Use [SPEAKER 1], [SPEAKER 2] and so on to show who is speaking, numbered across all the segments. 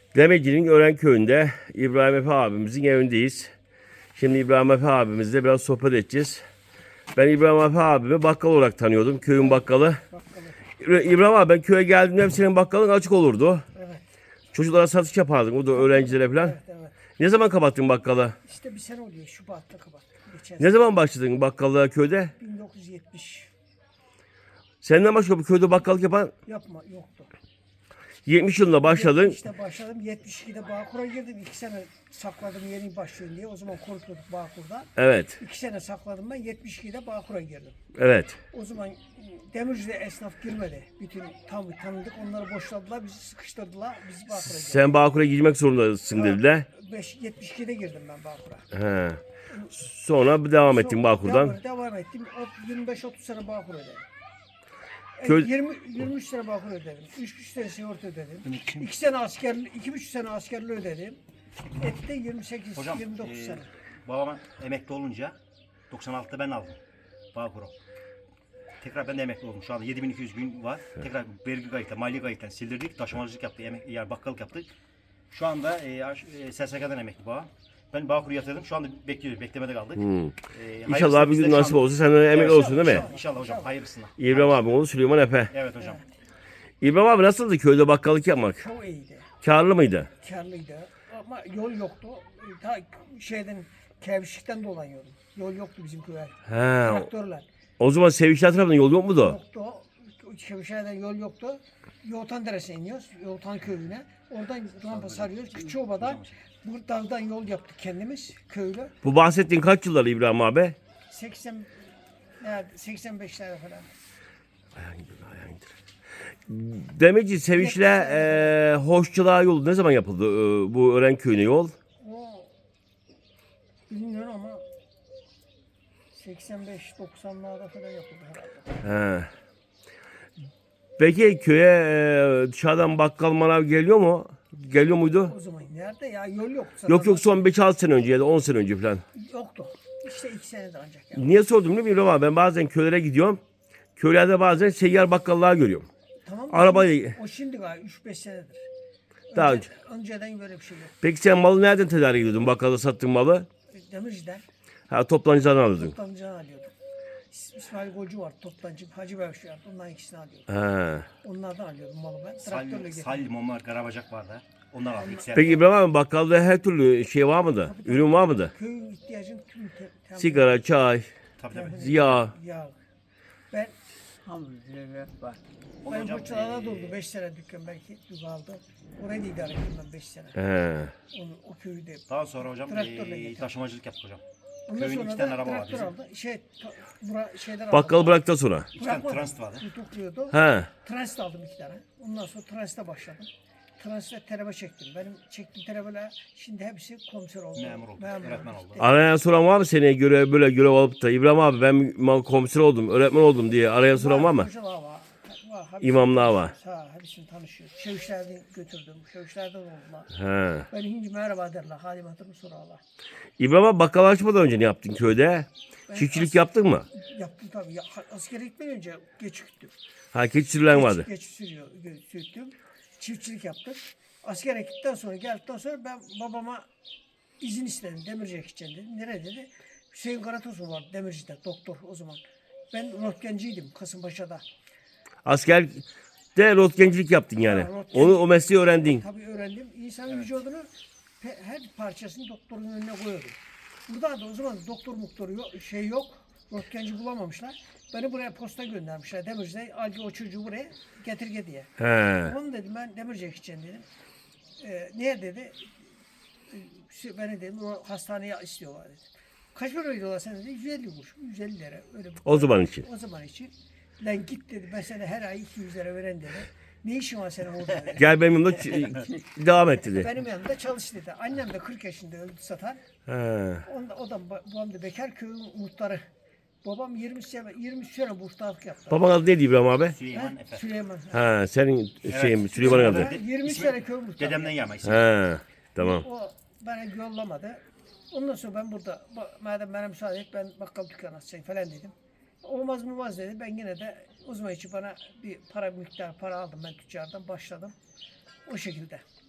[SPEAKER 1] Demeci'nin Örenköy'ünde İbrahim Efe abimizin evindeyiz. Şimdi İbrahim Efe abimizle biraz sohbet edeceğiz. Ben İbrahim Efe abimi bakkal olarak tanıyordum. Köyün bakkalı. İbrahim abi, ben köye geldiğimde hep senin bakkalın açık olurdu.
[SPEAKER 2] Evet,
[SPEAKER 1] Çocuklara satış yapardın. O da öğrencilere falan.
[SPEAKER 2] evet.
[SPEAKER 1] Ne zaman kapattın bakkalı?
[SPEAKER 2] İşte bir sene oluyor. Şubat'ta kapattık. Geçen
[SPEAKER 1] Ne
[SPEAKER 2] sene
[SPEAKER 1] zaman başladın bakkallığa köyde?
[SPEAKER 2] 1970
[SPEAKER 1] Senden başka bu köyde bakkallık yapan
[SPEAKER 2] yapma yoktu.
[SPEAKER 1] 70 yılında başladın.
[SPEAKER 2] İşte başladım. 72'de Bağkur'a girdim. 2 sene sakladım yeni başlıyorum diye. O zaman korkuyorduk Bağkur'da.
[SPEAKER 1] Evet.
[SPEAKER 2] 2 sene sakladım ben. 72'de Bağkur'a girdim.
[SPEAKER 1] Evet.
[SPEAKER 2] O zaman Demirci'de esnaf girmedi. Bütün tam tanıdık. Onları boşladılar. Bizi sıkıştırdılar. Biz Bağkur'a girdik.
[SPEAKER 1] Sen Bağkur'a girmek zorundasın dediler.
[SPEAKER 2] 72'de girdim ben Bağkur'a.
[SPEAKER 1] He. Sonra devam ettin Bağkur'dan.
[SPEAKER 2] Devam ettim. 25-30 sene Bağkur ödedim.
[SPEAKER 1] Köy-
[SPEAKER 2] 23 sene Bağkur ödedim. 3 sene sigorta ödedim. 2 sene askerli, 2,5 sene askerli ödedim. Etti 28,
[SPEAKER 3] Hocam
[SPEAKER 2] 29 sene.
[SPEAKER 3] babam emekli olunca 96'da ben aldım Bağkur'u. Tekrar ben de emekli oldum. Şu anda 7200 gün var. Tekrar vergi kayıtla, mali kayıtla sildirdik. Taşımacılık yaptık, yani bakkalık yaptık. Şu anda SSK'dan emekli babam. Ben Bağkur'u yatırdım. Şu anda bekliyoruz. Beklemede kaldık.
[SPEAKER 1] İnşallah bir gün nasip olsa senden emekli olsun değil mi?
[SPEAKER 3] İnşallah hocam. Hayırlısına.
[SPEAKER 1] İbrahim abi oğlu Süleyman Efe.
[SPEAKER 3] Evet hocam.
[SPEAKER 1] İbrahim abi, nasıldı köyde bakkallık yapmak?
[SPEAKER 2] Çok iyiydi.
[SPEAKER 1] Karlı mıydı?
[SPEAKER 2] Karlıydı. Ama yol yoktu. Ta şeyden, Kevşik'ten dolanıyordum. Yol yoktu bizim köye.
[SPEAKER 1] He.
[SPEAKER 2] Traktörler.
[SPEAKER 1] O zaman Sevişler tarafından yol yok muydu?
[SPEAKER 2] Yoktu. Kevşik'ten yol yoktu. Yoğutan Deresi'ne iniyoruz. Yoğutan köyüne. Oradan rampa sarıyoruz. Küçüoba'dan bu dağdan yol yaptık kendimiz köylü.
[SPEAKER 1] Bu bahsettiğin kaç yıllar İbrahim abi?
[SPEAKER 2] 85'lerde falan.
[SPEAKER 1] Demeci Seviş'le Hoşçılığa yolu ne zaman yapıldı? Bu Örenköy'üne yol?
[SPEAKER 2] O bilmiyorum ama 85-90'larda falan yapıldı herhalde.
[SPEAKER 1] He. Peki köye dışarıdan bakkal manav geliyor mu? Geliyor muydu?
[SPEAKER 2] O zaman nerede ya yol yoktu.
[SPEAKER 1] Yok son 5-6 sene önce ya da 10 sene önce falan.
[SPEAKER 2] Yoktu. İşte 2 senede ancak ya.
[SPEAKER 1] Niye sordum biliyor musun abi? Ben bazen köylere gidiyorum. Köylerde bazen seyyar bakkallığa görüyorum.
[SPEAKER 2] Tamam mı?
[SPEAKER 1] Arabayı-
[SPEAKER 2] O şimdi galiba 3-5 senedir.
[SPEAKER 1] Daha önce.
[SPEAKER 2] Önceden böyle bir şey yok.
[SPEAKER 1] Peki sen malı nereden tedarik ediyordun? Bakkalda sattığın malı?
[SPEAKER 2] Demirci'den
[SPEAKER 1] Ha, toptancıdan alıyordun.
[SPEAKER 2] toptancıdan alıyordum. İsmail Golcu var toptancı. Hacı Bevşi vardı. Ondan ikisini alıyordum.
[SPEAKER 1] Ha.
[SPEAKER 2] Onlardan alıyordum malı ben. Traktörle
[SPEAKER 3] Salih,
[SPEAKER 2] getirdim.
[SPEAKER 3] Momar, Karabacak vardı. Onlar aldık.
[SPEAKER 1] Peki İbrahim abi, bakkalda her türlü şey var mıydı? Ürün var mıydı?
[SPEAKER 2] Köyün ihtiyacını tüm
[SPEAKER 1] Sigara, çay,
[SPEAKER 3] Tabii tabii.
[SPEAKER 1] yağ.
[SPEAKER 2] yağ. Ben
[SPEAKER 4] Alhamdülillah var.
[SPEAKER 2] benim
[SPEAKER 3] hocam,
[SPEAKER 2] Koçalar'da durdu 5 sene dükkan belki kaldı. Orayı da idare ettim ben 5 sene.
[SPEAKER 1] He.
[SPEAKER 2] O köyü de.
[SPEAKER 3] Daha sonra hocam
[SPEAKER 2] Traktörle getirdim.
[SPEAKER 3] taşımacılık yaptık hocam.
[SPEAKER 2] Ondan
[SPEAKER 3] Köyün
[SPEAKER 2] sonra
[SPEAKER 3] 2 tane
[SPEAKER 2] da
[SPEAKER 3] araba var
[SPEAKER 2] traktör
[SPEAKER 3] bizim.
[SPEAKER 2] aldı. Şeyler aldı.
[SPEAKER 1] Bakkalı bıraktıktan sonra.
[SPEAKER 3] 2 tane
[SPEAKER 2] Bırakmadım.
[SPEAKER 3] transit vardı.
[SPEAKER 2] Tutukluyordu.
[SPEAKER 1] He.
[SPEAKER 2] Transit aldım 2 tane. Ondan sonra transitte başladım. Transitte terebe çektim. Benim çektiğim terebeler şimdi hepsi komiser oldu.
[SPEAKER 3] Memur oldu, öğretmen oldu.
[SPEAKER 1] Arayan soran var mı seneye göre böyle görev alıp da İbrahim abi ben komiser oldum, öğretmen oldum diye arayan soran var mı?
[SPEAKER 2] Hocalar var. Hepsini
[SPEAKER 1] İmamlar var.
[SPEAKER 2] tanışıyoruz. Ha, hepsini tanışıyoruz. Şevişlerden götürdüm. Şevişlerden oldular.
[SPEAKER 1] He.
[SPEAKER 2] Ben hinci merhaba derler. Halim hatırımı sorarlar.
[SPEAKER 1] İbrahim abi, bakkal açmadan önce ne yaptın köyde? Çiftçilik yaptın mı?
[SPEAKER 2] Yaptım tabii. Ya, askere gitmeden önce geç gittim.
[SPEAKER 1] Ha, keçi sürülen vardı.
[SPEAKER 2] Geç sürttüm. Çiftçilik yaptık. Askere gittikten sonra geldikten sonra ben babama izin istedim. Demirci'ye gideceğim dedim. Nereye dedi? Hüseyin Karatosun vardı Demirci'de doktor o zaman. Ben röntgenciydim Kasımpaşa'da.
[SPEAKER 1] Asker de rotgencilik yaptın yani.
[SPEAKER 2] Ha, röntgen.
[SPEAKER 1] O mesleği öğrendin.
[SPEAKER 2] Tabii öğrendim. İnsanın vücudunu her parçasını doktorun önüne koyuyordum. Burada da o zaman doktor muktoru yok, şey yok. Röntgenci bulamamışlar. Beni buraya posta göndermişler. Demirci'de al o çocuğu buraya getir diye.
[SPEAKER 1] He.
[SPEAKER 2] Onu dedim ben Demirci'ye gideceğim dedim. Niye dedi? Beni dedim o hastaneye istiyorlar dedi. Kaç para veriyorlar sen dedi? 150 kuruş. 150 lira. Öyle
[SPEAKER 1] O zaman için.
[SPEAKER 2] O zaman için. Lan git dedi ben sana her ay 200 lira veren dedi. Ne işin var senin orada dedi.
[SPEAKER 1] Gel benim yanımda devam et dedi.
[SPEAKER 2] Benim yanımda çalış dedi. Annem de 40 yaşında öldü satan.
[SPEAKER 1] He.
[SPEAKER 2] O da babam da bekar köyün muhtarı. Babam 20 sene muhtarlık yaptı.
[SPEAKER 1] Baban adı neydi İbrahim abi?
[SPEAKER 3] Süleyman Efe.
[SPEAKER 2] Süleyman.
[SPEAKER 1] Ha, senin şeyin Süleyman'ın adı.
[SPEAKER 2] Ha, 20 sene köy muhtarı.
[SPEAKER 3] Dedemden gelme ismi.
[SPEAKER 1] He. Tamam.
[SPEAKER 2] O bana yollamadı. Ondan sonra ben burada madem bana müsaade et ben bakkal dükkanı açayım falan dedim. Olmaz dedi. Ben yine de o zaman için bana bir miktar para aldım ben tüccardan başladım. O şekilde.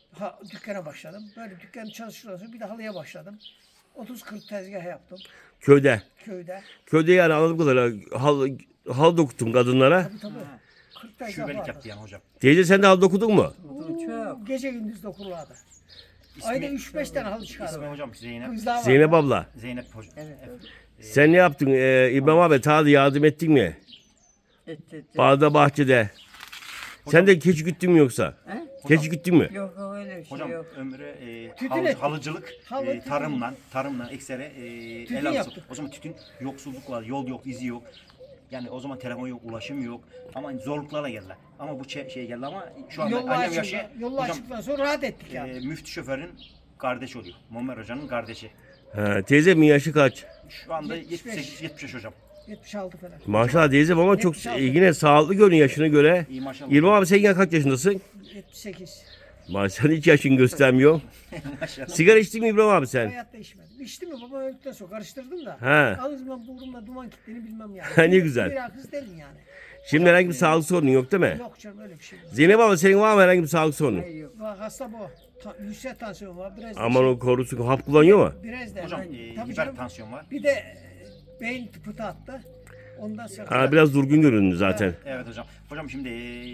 [SPEAKER 2] Dükkana başladım. Böyle dükkan çalıştıktan sonra bir de halıya başladım. 30-40 tezgah yaptım
[SPEAKER 1] Köyde.
[SPEAKER 2] köyde.
[SPEAKER 1] Köyde yani anladığım kadarıyla hal dokuttun kadınlara.
[SPEAKER 2] Tabii. 40 tezgah
[SPEAKER 3] Şubelik
[SPEAKER 2] vardı.
[SPEAKER 3] yaptı yani hocam.
[SPEAKER 1] Teyze sen de hal dokudun mu?
[SPEAKER 4] Çok.
[SPEAKER 2] Gece gündüz dokurlardı. Ayda 3-5 tane halı çıkardı.
[SPEAKER 3] İsmi hocam Zeynep.
[SPEAKER 2] Kızlar vardı.
[SPEAKER 1] Zeynep abla.
[SPEAKER 3] Zeynep hocam.
[SPEAKER 4] Evet.
[SPEAKER 1] Sen ne yaptın? İbrahim abi ta da yardım ettin mi?
[SPEAKER 4] Et.
[SPEAKER 1] Bağda bahçede. Sen de keçi güttün mü yoksa?
[SPEAKER 4] He?
[SPEAKER 1] Keçi güttün mü?
[SPEAKER 4] Yok öyle bir şey
[SPEAKER 3] Hocam
[SPEAKER 4] yok.
[SPEAKER 3] ömrü
[SPEAKER 2] Tütün ettik.
[SPEAKER 3] halıcılık,
[SPEAKER 2] Halı,
[SPEAKER 3] tarımla eksere
[SPEAKER 2] Tütün
[SPEAKER 3] el alsın.
[SPEAKER 2] yaptık.
[SPEAKER 3] O zaman tütün yoksulluk var, yol yok, izi yok. Yani o zaman telefon yok, ulaşım yok. Ama zorluklarla geldiler. Ama bu şey geldi ama şu anda
[SPEAKER 2] Yolla
[SPEAKER 3] annem yaşı
[SPEAKER 2] açıldı. Yolla
[SPEAKER 3] hocam
[SPEAKER 2] açıldıktan sonra rahat ettik yani.
[SPEAKER 3] müftü şoförün kardeşi oluyor. Muammer Hoca'nın kardeşi.
[SPEAKER 1] Ha, teyzemin yaşı kaç?
[SPEAKER 3] Şu anda
[SPEAKER 2] 75.
[SPEAKER 3] 78-75 hocam.
[SPEAKER 2] 76 falan.
[SPEAKER 1] Maşallah teyzem ama çok
[SPEAKER 2] 76.
[SPEAKER 1] yine sağlıklı görünüyor yaşına göre.
[SPEAKER 3] İyi maşallah.
[SPEAKER 1] İbrahim abi sen kaç yaşındasın?
[SPEAKER 2] 78.
[SPEAKER 1] Maşallah hiç yaşın göstermiyor.
[SPEAKER 3] Maşallah.
[SPEAKER 1] Sigara içtin mi İbrahim abi sen?
[SPEAKER 2] Hayatta içmedim. İçtim mi baba öldükten sonra karıştırdım da.
[SPEAKER 1] He.
[SPEAKER 2] Ağzımdan burnumdan duman kitlerini bilmem yani.
[SPEAKER 1] Ha, ne güzel.
[SPEAKER 2] Bir kız değilim yani.
[SPEAKER 1] Şimdi herhangi bir sağlık sorunun yok değil mi?
[SPEAKER 2] Yok canım öyle bir şey yok.
[SPEAKER 1] Zeynep abi senin var mı herhangi bir sağlık sorunu?
[SPEAKER 4] Hayır yok.
[SPEAKER 2] Bak hasta bu. Yüksek tansiyon var. Biraz da
[SPEAKER 1] Aman o korusun hap kullanıyor mu?
[SPEAKER 2] Biraz da.
[SPEAKER 3] Hocam
[SPEAKER 2] Tabii canım.
[SPEAKER 3] hipertansiyon var.
[SPEAKER 2] Bir de beyin pıtı attı. Ondan sonra.
[SPEAKER 1] Ha, biraz durgun göründü zaten.
[SPEAKER 3] Evet hocam. Hocam şimdi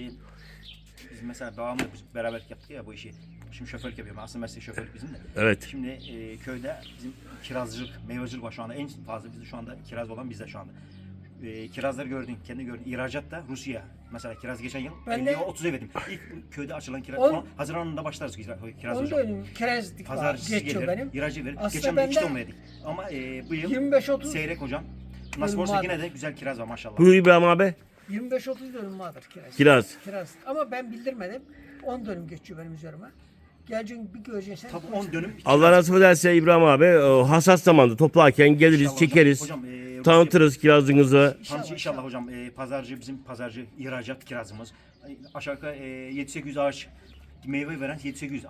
[SPEAKER 3] biz mesela babamla biz beraber yaptık ya bu işi. Şimdi şoförlük yapıyorum. Aslında meslek şoförlük bizim de.
[SPEAKER 1] Evet.
[SPEAKER 3] Şimdi köyde bizim kirazcılık, meyvacılık var şu anda. En fazla bizde şu anda kiraz olan bizde şu anda. Kirazları gördün, kendi gördün. İhracat da Rusya. Mesela kiraz geçen yıl
[SPEAKER 2] Ben de-
[SPEAKER 3] 50'ye 30'a verdim. İlk köyde açılan kiraz.
[SPEAKER 2] On-
[SPEAKER 3] Haziran'ında başlarız kiraz
[SPEAKER 2] Onu
[SPEAKER 3] hocam.
[SPEAKER 2] da önüm. Kerezlik var.
[SPEAKER 3] Pazarcısı
[SPEAKER 2] Geçiyor
[SPEAKER 3] gelir,
[SPEAKER 2] benim.
[SPEAKER 3] ihracı verir.
[SPEAKER 2] Aslında
[SPEAKER 3] Geçen yıl 2
[SPEAKER 2] bende
[SPEAKER 3] ton verdik. Ama bu yıl
[SPEAKER 2] 25-30
[SPEAKER 3] seyrek hocam. Nasıl
[SPEAKER 2] Dönüm
[SPEAKER 3] olsa
[SPEAKER 2] var.
[SPEAKER 3] yine de güzel kiraz var maşallah.
[SPEAKER 1] Buyur İbrahim abi.
[SPEAKER 2] 25-30 dönüm vardır kiraz.
[SPEAKER 1] Kiraz.
[SPEAKER 2] Kiraz. Ama ben bildirmedim. 10 dönüm geçiyor benim üzerime. Geleceksin bir göreceksin.
[SPEAKER 3] Tabii 10 dönüm.
[SPEAKER 1] Allah nasip ederse İbrahim abi hassas zamanda toplarken geliriz,
[SPEAKER 3] İnşallah
[SPEAKER 1] çekeriz.
[SPEAKER 3] Hocam,
[SPEAKER 1] Tanıtırız kirazınızı.
[SPEAKER 3] İnşallah hocam pazarcı bizim pazarcı ihracat kirazımız. Aşağı yukarı 7-800 ağaç meyve veren 7-800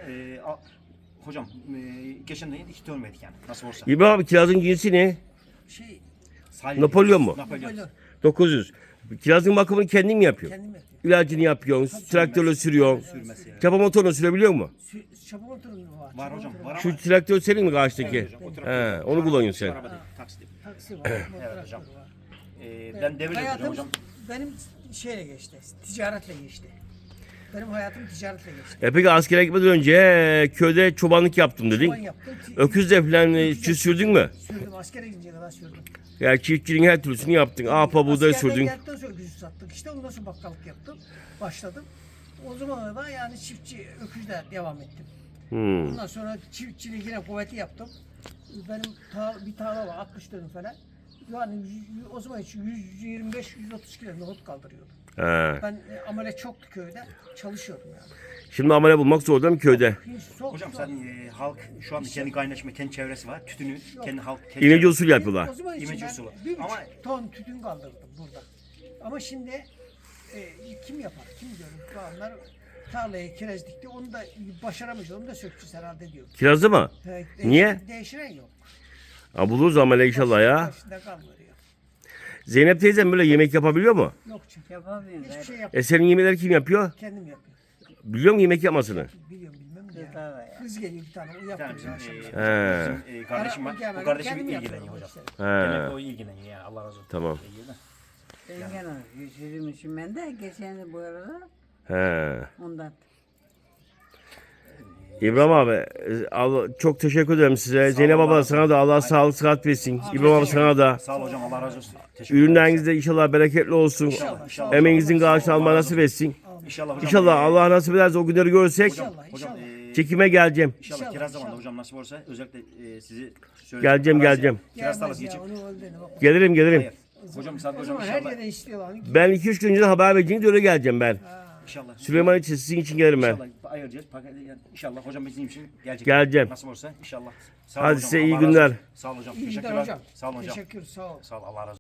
[SPEAKER 3] hocam geçen de 2 ton verdik yani nasıl olsa.
[SPEAKER 1] İbrahim abi kirazın cinsi ne?
[SPEAKER 2] Şey
[SPEAKER 3] Salih
[SPEAKER 1] Napolyon mu?
[SPEAKER 3] Napolyon.
[SPEAKER 2] Napolyon.
[SPEAKER 1] 900. Kirazın bakımını kendin mi yapıyorsun?
[SPEAKER 2] Kendim yapıyorum.
[SPEAKER 1] İlacını yapıyorsun, traktörle sürüyorsun.
[SPEAKER 3] Sürmesi yani.
[SPEAKER 1] Çapa motorunu sürebiliyor musun?
[SPEAKER 2] Çabuk oturun var.
[SPEAKER 3] Var hocam var ama.
[SPEAKER 1] Şu traktör senin mi karşıdaki?
[SPEAKER 3] Evet hocam, o traktör.
[SPEAKER 1] He, onu kullanıyorsun sen.
[SPEAKER 3] Araba değil, taksi değil.
[SPEAKER 2] Taksi var.
[SPEAKER 3] Evet hocam.
[SPEAKER 2] Var.
[SPEAKER 3] Ben devir yapıyorum
[SPEAKER 2] Hayatım
[SPEAKER 3] hocam.
[SPEAKER 2] benim şeyle geçti. Ticaretle geçti. Benim hayatım ticaretle geçti.
[SPEAKER 1] Peki askere gitmeden önce köyde çobanlık yaptım dedin.
[SPEAKER 2] Ben yaptım.
[SPEAKER 1] Öküzle falan çift sürdün mü?
[SPEAKER 2] Sürdüm. Askere gidince kadar sürdüm.
[SPEAKER 1] Yani çiftçiliğin her türlüsünü yaptın. Ağpa buğday
[SPEAKER 2] Askerden
[SPEAKER 1] sürdün.
[SPEAKER 2] geldikten sonra öküzü sattık. İşte ondan sonra bakkalık yaptım. Başladım. O zamana da yani çiftçi öküzle devam ettim.
[SPEAKER 1] Hmm.
[SPEAKER 2] Ondan sonra çiftçiliği yine kuvveti yaptım. Benim bir tarla var 60 dönüm falan. Yani o zaman için 125-130 kilo nohut kaldırıyordum.
[SPEAKER 1] He.
[SPEAKER 2] Ben amele çoktu köyde. Çalışıyordum yani.
[SPEAKER 1] Şimdi amele bulmak zor değil mi köyde?
[SPEAKER 2] Hiç çok
[SPEAKER 3] Hocam
[SPEAKER 2] zor.
[SPEAKER 3] sen halk şu anda kendi kaynaşma, kendi çevresi var. Tütünü kendi halk kendi
[SPEAKER 1] İnece
[SPEAKER 3] çevresi.
[SPEAKER 1] usul yapıyorlar.
[SPEAKER 2] O zaman için
[SPEAKER 3] İmece
[SPEAKER 2] ben
[SPEAKER 3] usulü.
[SPEAKER 2] 1,5
[SPEAKER 3] Ama-
[SPEAKER 2] ton tütün kaldırdım burada. Ama şimdi kim yapar? Kim görür? Onlar tarlaya kireç dikti. Onu da başaramayız. Onu da sökeceğiz herhalde diyor.
[SPEAKER 1] Kirazı mı? Niye?
[SPEAKER 2] Değiştiren yok.
[SPEAKER 1] Ha, buluruz amele inşallah ya.
[SPEAKER 2] Başında kalmıyor.
[SPEAKER 1] Zeynep teyzem böyle yemek yapabiliyor mu?
[SPEAKER 2] Yok çünkü.
[SPEAKER 4] Yapamıyorum.
[SPEAKER 2] Hiçbir şey yap.
[SPEAKER 1] Senin yemekleri kim yapıyor?
[SPEAKER 2] Kendim yapıyorum.
[SPEAKER 1] Biliyor musun yemek yapmasını?
[SPEAKER 2] Biliyorum bilmem ne.
[SPEAKER 4] Kızlar var ya.
[SPEAKER 2] Kız geliyor bir tane. O
[SPEAKER 3] Bir tane
[SPEAKER 2] yaptırıyor
[SPEAKER 3] bizim,
[SPEAKER 2] akşam.
[SPEAKER 3] bizim kardeşim var. Bu kardeşim ilgileniyor hocam. Genelde o ilgileniyor yani Allah razı olsun.
[SPEAKER 1] Tamam.
[SPEAKER 3] İyi de.
[SPEAKER 4] Ben gene geçirmişim ben de geçen de bu arada
[SPEAKER 1] He.
[SPEAKER 4] ondan.
[SPEAKER 1] İbrahim abi çok teşekkür ederim size. Zeynep abla sana da Allah sağlık sıhhat versin. İbrahim abi sana da.
[SPEAKER 3] Sağ ol hocam Allah razı olsun. Teşekkür ederim.
[SPEAKER 1] Ürünleriniz de inşallah bereketli olsun.
[SPEAKER 3] İnşallah.
[SPEAKER 1] Emeğinizin karşılığını alma nasip etsin.
[SPEAKER 3] İnşallah hocam.
[SPEAKER 1] İnşallah Allah nasip ederse o günleri görürsek
[SPEAKER 3] Hocam
[SPEAKER 1] çekime geleceğim.
[SPEAKER 3] İnşallah
[SPEAKER 2] İnşallah,
[SPEAKER 3] kiraz zamanında
[SPEAKER 2] inşallah.
[SPEAKER 3] hocam nasip olursa özellikle sizi
[SPEAKER 1] Geleceğim, geleceğim.
[SPEAKER 3] Kiraz tarlası geçip.
[SPEAKER 1] Gelirim gelirim.
[SPEAKER 3] Hayır. Hocam Sadık
[SPEAKER 2] O
[SPEAKER 3] hocam
[SPEAKER 2] zaman her
[SPEAKER 3] inşallah.
[SPEAKER 2] yerden istiyorlar.
[SPEAKER 1] Ben 2-3 gün önce haber vereceğiniz öyle geleceğim ben.
[SPEAKER 3] İnşallah.
[SPEAKER 1] Süleyman için sizin için gelirim ben.
[SPEAKER 3] İnşallah ayıracağız. İnşallah hocam bizim için gelecek.
[SPEAKER 1] Geleceğim.
[SPEAKER 3] Nasıl olursa inşallah. Sağ ol
[SPEAKER 1] Hadi
[SPEAKER 3] hocam,
[SPEAKER 1] size iyi
[SPEAKER 3] Allah razı
[SPEAKER 1] günler.
[SPEAKER 3] olsun. Sağ ol hocam.
[SPEAKER 2] İyi günler
[SPEAKER 3] Teşekkürler.
[SPEAKER 2] hocam.
[SPEAKER 3] Sağ olun hocam.
[SPEAKER 2] Teşekkür sağ ol.
[SPEAKER 3] Sağ ol Allah razı olsun.